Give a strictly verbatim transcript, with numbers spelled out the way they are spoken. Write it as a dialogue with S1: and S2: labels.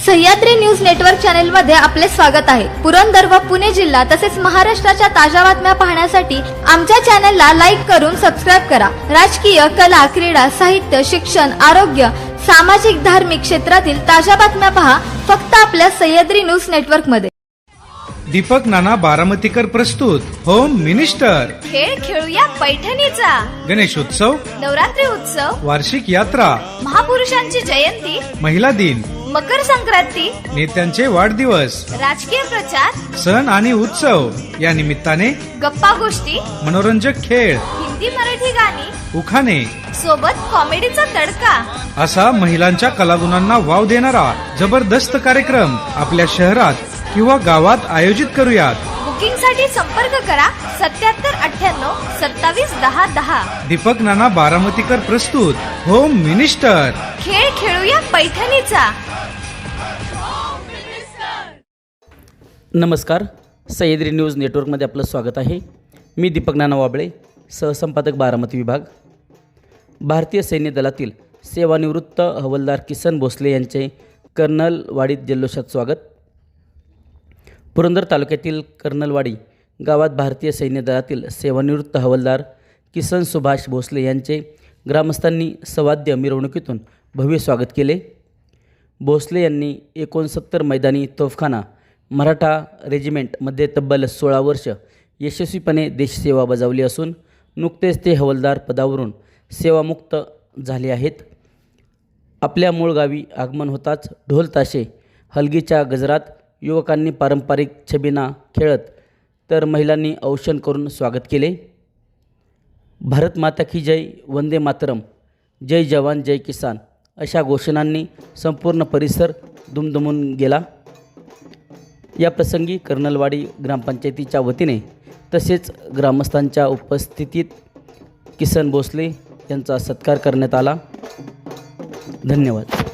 S1: Sahyadri news network channel मध्ये आपले स्वागत आहे। पुरंदर व पुणे जिल्हा तसेच महाराष्ट्राच्या ताज्या बातम्या पाहण्यासाठी आमच्या चॅनलला लाईक करून सबस्क्राइब करा। राजकीय, कला, क्रीडा, साहित्य, शिक्षण, आरोग्य, सामाजिक, धार्मिक क्षेत्रातील ताज्या बातम्या पहा फक्त आपल्या सह्याद्री न्यूज नेटवर्क मध्ये।
S2: दीपक नाना बारामतीकर प्रस्तुत होम मिनिस्टर।
S1: खेळ खेळूया पैठणीचा,
S2: गणेशोत्सव,
S1: नवरात्री उत्सव,
S2: वार्षिक यात्रा,
S1: महापुरुषांची जयंती,
S2: महिला दिन,
S1: मकर संक्रांती,
S2: नेत्यांचे वाढदिवस,
S1: राजकीय प्रचार,
S2: सण आणि उत्सव या निमित्ताने
S1: गप्पा गोष्टी,
S2: मनोरंजक खेळ,
S1: हिंदी मराठी गाणी,
S2: उखाणे
S1: सोबत कॉमेडीचा तडका
S2: असा महिलांच्या कलागुणांना वाव देणारा जबरदस्त कार्यक्रम आपल्या शहरात किंवा गावात आयोजित करूयात।
S1: बुकिंग साठी संपर्क करा सत्याहत्तर अठ्ठ्याण्णव सत्तावीस दहा दहा।
S2: दीपक नाना बारामतीकर प्रस्तुत होम मिनिस्टर।
S1: खेळ खेळूया पैठणीचा।
S3: नमस्कार, सह्याद्री न्यूज नेटवर्कमध्ये आपलं स्वागत आहे। मी दीपक नाना वाबळे, सहसंपादक बारामती विभाग। भारतीय सैन्य दलातील सेवानिवृत्त हवालदार किसन भोसले यांचे कर्नलवाडीत जल्लोषात स्वागत। पुरंदर तालुक्यातील कर्नलवाडी गावात भारतीय सैन्य दलातील सेवानिवृत्त हवालदार किसन सुभाष भोसले यांचे ग्रामस्थांनी सवाद्य मिरवणुकीतून भव्य स्वागत केले। भोसले यांनी एकोणसत्तर मैदानी तोफखाना मराठा रेजिमेंटमध्ये तब्बल सोळा वर्ष यशस्वीपणे देशसेवा बजावली असून नुकतेच ते हवालदार पदावरून सेवामुक्त झाले आहेत। आपल्या मूळ गावी आगमन होताच ढोल ताशे हलगीच्या गजरात युवकांनी पारंपरिक छबिना खेळत तर महिलांनी औषण करून स्वागत केले। भारत माता की जय, वंदे मातरम, जय जवान जय किसान अशा घोषणांनी संपूर्ण परिसर दुमदुमून गेला। या प्रसंगी कर्नलवाडी ग्रामपंचायतीच्या वतीने तसेच ग्रामस्थांच्या उपस्थितीत किसन भोसले यांचा सत्कार करण्यात आला। धन्यवाद।